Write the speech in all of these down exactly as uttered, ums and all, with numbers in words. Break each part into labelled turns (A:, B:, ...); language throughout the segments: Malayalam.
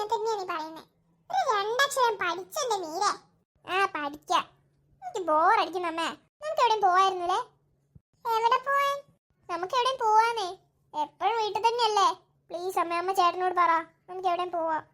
A: അങ്ങനെ തന്നെയാ നീ പറയുന്നത്. ഒരു രണ്ടക്ഷരം പഠിച്ചെന്റെ മീരെ. ആ പഠിക്കാം. എനിക്ക് ബോറടിക്കുന്നു അമ്മേ. നമുക്ക് എവിടെയും പോവായിരുന്നല്ലേ? എവിടെ പോവാൻ? നമുക്ക് എവിടെയും പോവാന്നേ. എപ്പോഴും വീട്ടിൽ തന്നെയല്ലേ? പ്ലീസ് അമ്മ, അമ്മ ചേട്ടനോട് പറ, നമുക്ക് എവിടെയും പോവാം.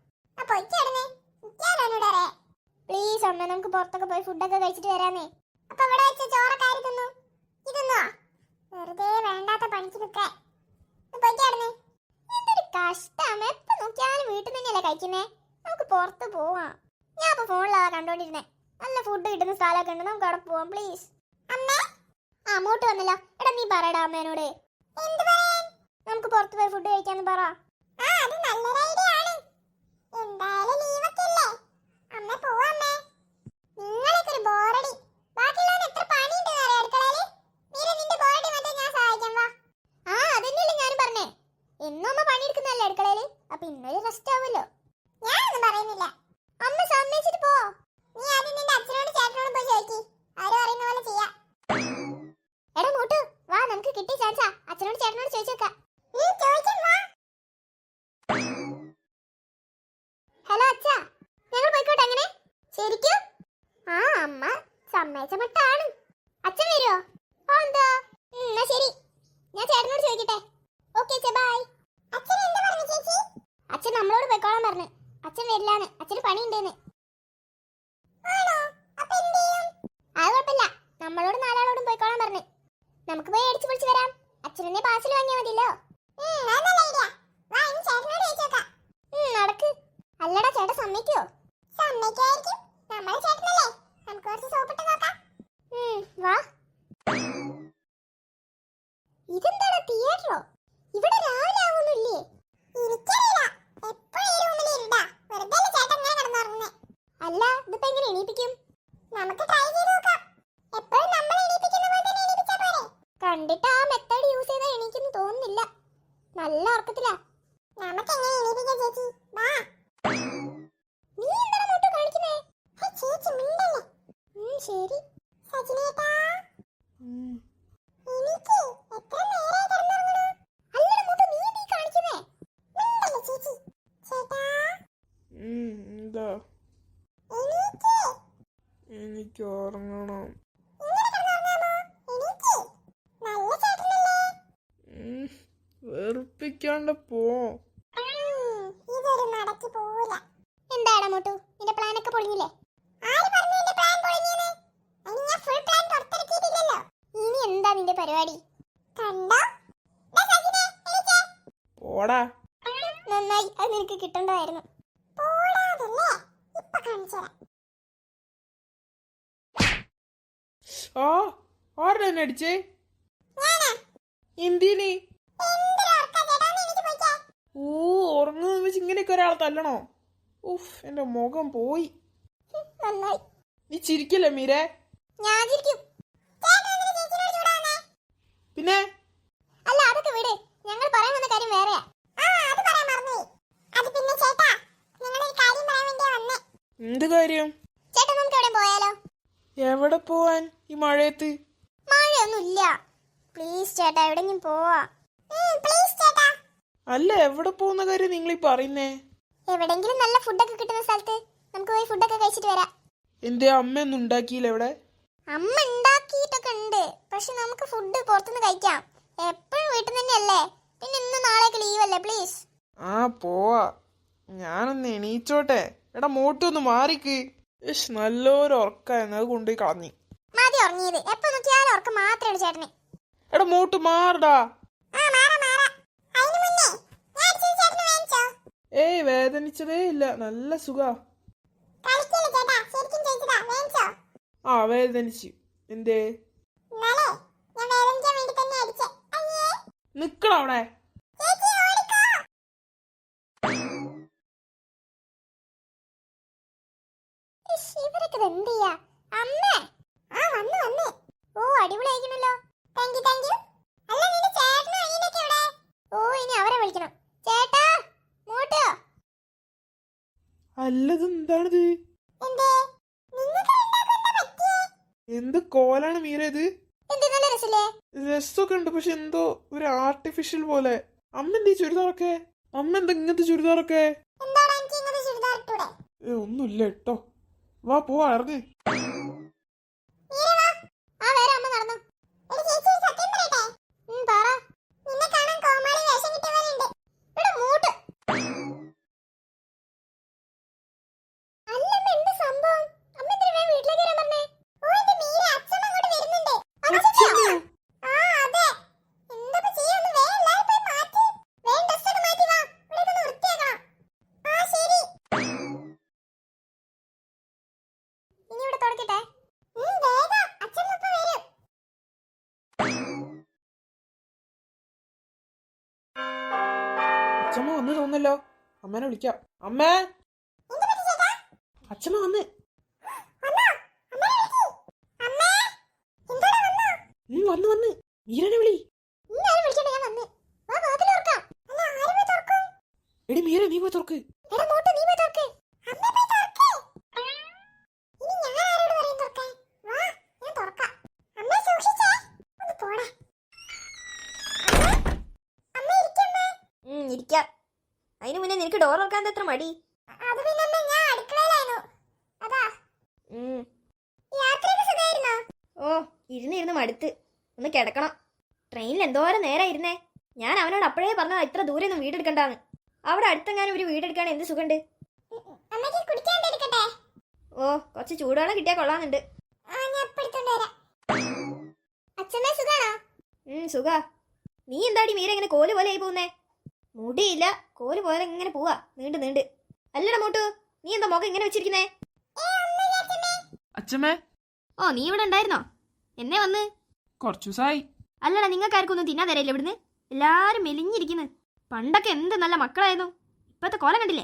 A: പ്ലീസ് അമ്മ, നമുക്ക് പുറത്തൊക്കെ പോയി ഫുഡൊക്കെ കഴിച്ചിട്ട് വരാന്നേ. അപ്പൊ ഇവിടെ വെച്ച ചോറൊക്കെ ആര് തിന്നു? ഇതൊന്നോ? വെറുതെ വേണ്ടാത്ത പണിക്ക് നിൽക്കാൻ. എന്തൊരു കഷ്ടം. എപ്പോ നോക്കിയാലും വീട്ടിൽ തന്നെയല്ലേ കഴിക്കുന്നേ. നമുക്ക് പുറത്ത് പോവാം. ഞാൻ ഇപ്പൊ ഫോണിലാ കണ്ടോണ്ടിരുന്നേ. നല്ല ഫുഡ് കിട്ടുന്ന സ്ഥലമൊക്കെ ഉണ്ട്, നമുക്ക് അവിടെ പോവാം പ്ലീസ്. അമ്മേ ആ അങ്ങോട്ട് വന്നല്ലോ. എടാ നീ പറയടാ അമ്മേനോട്. നമുക്ക് പുറത്ത് പോയി ഫുഡ് കഴിക്കാന്ന് പറ. സമ്മേച്ചമട്ടാണ്. അച്ഛൻ വരുമോ? ആ എന്താ? എന്നാ ശരി, ഞാൻ ചേട്ടനോട് ചോദിക്കട്ടെ. Okay bye. അച്ഛൻ എന്താ പറഞ്ഞു ചേച്ചി? അച്ഛൻ നമ്മളോട് പോയിക്കോളാൻ പറഞ്ഞു. അച്ഛൻ വരില്ലാന്ന്, അച്ഛന് പണിയുണ്ടെന്ന്. അത് കുഴപ്പമില്ല, നമ്മളോട് നാലാളോടും പോയിക്കോളാൻ പറഞ്ഞു. നമുക്ക് പോയി അടിച്ചു പൊളിച്ച് വരാം. അച്ഛനെ പാസിൽ വാങ്ങിയാൽ മതിയല്ലോ. നടക്ക്. അല്ലടാ ചേട്ടൻ സമ്മതിക്കോ? സമ്മതിക്കായിരിക്കും, നമ്മളെ ചേട്ടനല്ലേ. നമുക്ക് കുറച്ച് സോപ്പിട്ട് നോക്കാം. വാ. ഇതെന്താടാ തിയേറ്ററോ? ഇവിടെ രാവിലെ ആവുന്നില്ലേ? എനിക്കറിയില്ല, എപ്പോഴും ഈ റൂമിൽ ഇരുടാ. വെറുതെ ചേട്ടൻ ഇങ്ങനെ കിടന്നുറങ്ങുന്നേ. അല്ല ഇതിപ്പോ എങ്ങനെ എണീപ്പിക്കും? നമുക്ക് ട്രൈ ചെയ്ത് നോക്കാം. എപ്പോഴും നമ്മൾ എണീപ്പിക്കുന്ന പോലെ തന്നെ എണീപ്പിച്ചാ പോരെ? കണ്ടിട്ട് ആ മെത്തേഡ് യൂസ് ചെയ്താൽ എണീക്കുന്നു തോന്നുന്നില്ല. നല്ല ഉറക്കത്തിലാ. നമുക്ക് എങ്ങനെ എണീപ്പിക്കാം ചേച്ചി? വാ. നീ എന്താണ് മോട്ടോ കാണിക്കുന്നേ? ചേച്ചി മിണ്ടല്ലേ. ശരി സജിനേട്ടാ, എനിക്ക് എത്ര നേരായി കിടന്നുറങ്ങണു? അല്ലടാ മോട്ടോ, നീ നീ കാണിക്കുന്നേ മിണ്ടല്ലേ ചേച്ചി. ചേട്ടാ
B: എന്താ?
A: എനിക്ക്
B: എനിക്ക് ഉറങ്ങണം. വെറുപ്പിക്കാണ്ട് പോ.
A: ഇതൊരു നടക്കി പോവില്ല. എന്താടാ മോട്ടു, നിന്റെ പ്ലാൻ ഒക്കെ പൊളിഞ്ഞില്ലേ? ആര് പറഞ്ഞു നിന്റെ പ്ലാൻ പൊളിഞ്ഞെന്ന്? അതിന് ഞാൻ ഫുൾ പ്ലാൻ പുറത്തിറക്കിയിട്ടില്ലല്ലോ. ഇനി എന്താ നിന്റെ പരിപാടി? കണ്ടോ? ദാ സജിനെ, എണീച്ചേ.
B: പോടാ.
A: നന്നായി, അത് നിനക്ക് കിട്ടണ്ടായിരുന്നു. പോടാതല്ലേ, ഇപ്പൊ കാണിച്ചുതരാം.
B: ആ ആരുടെ എന്നെ അടിച്ചേ? എന്തിന്? ഓ, ഉറങ്ങുന്ന വെച്ച് ഇങ്ങനെയൊക്കെ ഒരാളെ തല്ലണോ? ഉഫ്, എന്റെ മുഖം പോയി. നീ ചിരിക്കല്ലേ മീരെ? പിന്നെ
A: അല്ല, അതൊക്കെ വിട്. ഞങ്ങൾ പറയാൻ വന്ന കാര്യം വേറെയാ.
B: എന്ത് കാര്യം?
A: ചേട്ടാ, നമുക്ക് എവിടെ പോയാലോ?
B: എവിടെ പോവാൻ ഈ മഴയത്ത്?
A: മഴയൊന്നുമില്ല. പ്ലീസ് ചേട്ടാ, എവിടെങ്കിലും പോവാ. പ്ലീസ് ചേട്ടാ.
B: അല്ല, എവിടെ പോകുന്ന കാര്യം നിങ്ങൾ ഈ പറയുന്നേ?
A: എവിടെങ്കിലും നല്ല ഫുഡൊക്കെ കിട്ടുന്ന സ്ഥലത്ത് നമുക്ക് പോയി ഫുഡൊക്കെ കഴിച്ചിട്ട് വരാം.
B: എന്റെ അമ്മയൊന്നും ഉണ്ടാക്കിയില്ല ഇവിടെ?
A: അമ്മ ഉണ്ടാക്കിയിട്ടൊക്കെ ഉണ്ട്, പക്ഷെ നമുക്ക് ഫുഡ് പുറത്തുനിന്ന് കഴിക്കാം. എപ്പോഴും വീട്ടിൽ തന്നെയല്ലേ. പിന്നെ ഇന്ന് നാളേക്ക് ലീവ് അല്ലേ? പ്ലീസ്.
B: ആ പോവാ. ഞാനൊന്ന് എണീച്ചോട്ടെ. എടാ മോട്ടു ഒന്ന് മാറിക്ക്. നല്ലൊരു ഉറക്കായിരുന്നു, അത് കൊണ്ടുപോയി കളഞ്ഞി.
A: മതി ഉറങ്ങിയത്. എപ്പോ നോക്കിയാലും ഉറക്കം മാത്രമാണ് ചേട്ടന്.
B: എടാ മോട്ടു മാറടാ. ഏയ് വേദനിച്ചതേ ഇല്ല, നല്ല സുഖാ. ആ വേദനിച്ചു. എന്തേ? നിക്കണ അവിടെ.
A: ഇവരൊക്കെ എന്ത് ചെയ്യാ? അമ്മേ. ആ വന്നു വന്നു. ഓ അടിപൊളിയായിരിക്കണല്ലോ. Thank you thank you. അല്ല നിന്റെ ചേട്ടനും അനിയനൊക്കെ എവിടെ? ഓ ഇനി അവരെ വിളിക്കണം. ചേട്ടാ, മോട്ടോ.
B: അല്ലത് എന്താണിത്?
A: എന്തേ നിങ്ങൾക്ക് രണ്ടാൾക്കും എന്താ പറ്റിയേ?
B: എന്ത് കോലാണ് മീര ഇത്?
A: എന്ത് നല്ല രസല്ലേ?
B: രസമൊക്കെ ഉണ്ട്, പക്ഷെ എന്തോ ഒരു ആർട്ടിഫിഷ്യൽ പോലെ. അമ്മ എന്തീ ചുരിദാറൊക്കെ? അമ്മ എന്താ ഇങ്ങനത്തെ ചുരിദാറൊക്കെ?
A: എന്താണ് എനിക്ക് ഇങ്ങനത്തെ വിട്ടൂടെ?
B: ഏ ഒന്നുമില്ല കേട്ടോ. വാ പോവാ, ഇറങ്ങ്.
A: മീര വാ. ആ വേറെ അമ്മ നടന്നു. എടി ചേച്ചി ഒരു സത്യം പറയട്ടെ? ഉം പറ. നിന്നെ കാണാൻ കോമാളി വേഷം കിട്ടിയവരുണ്ട്. ഇവിടെ മൂട്ട്. അല്ലമ്മ എന്ത് സംഭവം? അമ്മ എന്തിനാ വേഗം വീട്ടിലേക്ക് വരാൻ പറഞ്ഞേ? ഓ എന്റെ മീര, അച്ഛൻ അങ്ങോട്ട് വരുന്നുണ്ട്. അച്ഛനോ? ആ അതെ. എന്താ ചെയ്യാന്ന് വേഗം എല്ലാവരും പോയി മാറ്റി. വേഗം ഡ്രസ് ഒക്കെ മാറ്റി വാ. ഇവിടെ ഒന്ന് വൃത്തിയാക്കണം. ആ ശരി. ഇനി ഇവിടെ തുടക്കട്ടെ. ഉം വേഗം അച്ഛൻ ഇപ്പോ വരും.
B: അച്ഛമ്മ വന്ന് തോന്നല്ലോ. അമ്മേനെ വിളിക്കാം. അമ്മേ,
A: എന്ത് പറ്റി ചേട്ടാ?
B: അച്ഛമ്മ വന്ന്.
A: വന്നോ? അമ്മേനെ വിളിക്ക്. അമ്മേ, എന്താടാ വന്നോ?
B: ഉം, വന്ന് വന്ന്. മീരനെ വിളി.
A: ഇനി ആരും വിളിക്കണ്ട, ഞാൻ വന്ന്. വാ വാതിൽ തുറക്കാം. അല്ല ആര് പോയി തുറക്കും?
B: എടി മീര, നീ പോയി തുറക്ക്.
A: എടാ മൂട്ട്, നീ പോയി തുറക്ക്. അമ്മ പോയി തുറക്ക്. ഇനി ഞാൻ ആരോട് പറയും തുറക്കാൻ? വാ, ഞാൻ തുറക്കാം. അമ്മ സൂക്ഷിച്ചേ. ഒന്ന് പോടാ. അമ്മ, അമ്മ ഇരിക്കമ്മേ.
C: ഉം, ഇരിക്കാം. അതിനു മുന്നേ നിനക്ക് ഡോർ തുറക്കാൻ എത്ര മടി?
A: അത് പിന്നെ അമ്മ ഞാൻ അടുക്കളയിലായിരുന്നു. അതാ.
C: ഉം.
A: യാത്രയൊക്കെ സുഖമായിരുന്നോ?
C: ഓ, ഇരുന്ന് ഇരുന്ന് മടുത്ത്. ഒന്ന് കിടക്കണം. ട്രെയിനിൽ എന്തോരം നേരം ഇരുന്നേ. ഞാൻ അവനോട് അപ്പോഴേ പറഞ്ഞതാ ഇത്ര ദൂരെ ഒന്നും വീടെടുക്കണ്ടാന്ന്. അവിടെ അടുത്തെങ്ങാനും ഒരു വീടെടുക്കാൻ എന്ത് സുഖമുണ്ട്.
A: അമ്മയ്ക്ക് കുടിക്കാൻ എടുക്കട്ടെ?
C: ഓ, കുറച്ച് ചൂടുവെള്ളം കിട്ടിയാൽ കൊള്ളാന്നുണ്ട്.
A: ആ ഞാൻ ഇപ്പൊ എടുത്തോണ്ട് വരാം. അച്ഛമ്മേ സുഖാണോ?
C: ഉം, സുഖാ. നീ എന്താടി മീര ഇങ്ങനെ കോല് പോലെ ആയി പോകുന്നേ? മുടിയില്ല, കോല് പോലെ ഇങ്ങനെ പോവാ, നീണ്ട് നീണ്ട്. അല്ലടാ മോട്ടു, നീ എന്താ മുഖം ഇങ്ങനെ വെച്ചിരിക്കുന്നേ?
B: അച്ഛമ്മേ,
C: ഓ, നീ ഇവിടെ ഉണ്ടായിരുന്നോ? എന്നേ വന്ന്?
B: കുറച്ചു ദിവസമായി.
C: അല്ലടാ, നിങ്ങൾക്കാർക്കും ഒന്നും തിന്നാൻ തരയില്ല ഇവിടുന്ന്. എല്ലാരും മെലിഞ്ഞിരിക്കുന്നു. പണ്ടൊക്കെ എന്ത് നല്ല മക്കളായിരുന്നു. ഇപ്പത്തെ കോലം കണ്ടില്ലേ?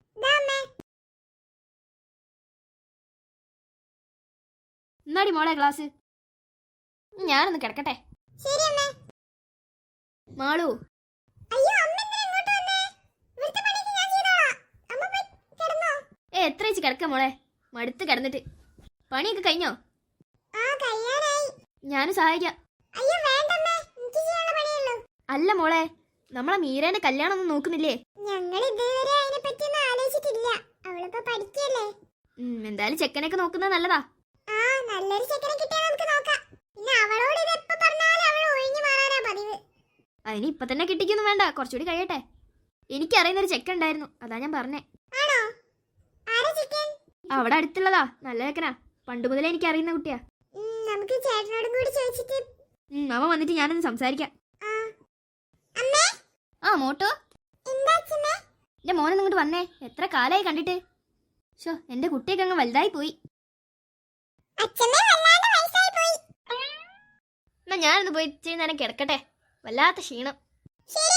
C: എന്നാടി മോളെ ക്ലാസ്? ഞാനൊന്ന് കിടക്കട്ടെ.
A: ശരി അമ്മേ.
C: മാളു,
A: അയ്യോ അമ്മ എന്തിനാ ഇങ്ങോട്ട് വന്നേ? ഇവിടുത്തെ പണിയൊക്കെ ഞാൻ ചെയ്തോളാം. അമ്മ പോയി കിടന്നോ?
C: ഏ എത്ര വെച്ച് കിടക്ക മോളെ? മടുത്ത് കിടന്നിട്ട്. പണിയൊക്കെ കഴിഞ്ഞോ?
A: ആ കഴിയാനായി.
C: ഞാനും സഹായിക്കാം.
A: അയ്യോ വേണ്ടമ്മേ, എനിക്ക് ചെയ്യാനുള്ള പണിയുള്ളൂ.
C: അല്ല മോളെ, നമ്മളെ മീരേന്റെ കല്യാണം ഒന്നും നോക്കുന്നില്ലേ?
A: ഞങ്ങൾ ഇതുവരെ അതിനെ പറ്റിയൊന്നും ആലോചിച്ചിട്ടില്ല. അവളിപ്പോ പഠിക്കല്ലേ.
C: ഉം, എന്തായാലും ചെക്കനൊക്കെ നോക്കുന്നത് നല്ലതാ.
A: ആ നല്ലൊരു ചെക്കനെ കിട്ടിയാൽ നമുക്ക് നോക്കാം. പിന്നെ അവളോട് ഇത് എപ്പോ പറഞ്ഞാലും അവൾ ഒഴിഞ്ഞു മാറാനാ പതിവ്.
C: അതിന് ഇപ്പൊ തന്നെ കിട്ടിക്കൊന്നും വേണ്ട, കുറച്ചുകൂടി കഴിയട്ടെ. എനിക്കറിയുന്നൊരു ചെക്കൻ ഉണ്ടായിരുന്നു, അതാ ഞാൻ പറഞ്ഞേ.
A: ആണോ? ആരാ ചെക്കൻ?
C: അവിടെ അടുത്തുള്ളതാ, നല്ല ചെക്കനാ. പണ്ട് മുതലേ എനിക്ക് അറിയുന്ന കുട്ടിയാ.
A: ഉം, നമുക്ക് ചേട്ടനോടും കൂടി ചോദിച്ചിട്ട്.
C: ഉം, അവൻ വന്നിട്ട് ഞാനൊന്ന് സംസാരിക്കാം.
A: ആ അമ്മേ.
C: ആ മോട്ടോ,
A: എന്താ അച്ഛമ്മേ?
C: എന്റെ മോനെ ഇങ്ങോട്ട് വന്നേ. എത്ര കാലായി കണ്ടിട്ട്. ഷോ, എന്റെ കുട്ടിയൊക്കെ അങ്ങ് വലുതായി പോയി.
A: അച്ഛമ്മേ വല്ലാണ്ട് വയസ്സായി പോയി.
C: എന്നാ ഞാനൊന്ന് പോയി ഇച്ചിരി നേരം കിടക്കട്ടെ. വല്ലാത്ത ക്ഷീണം.
A: ശരി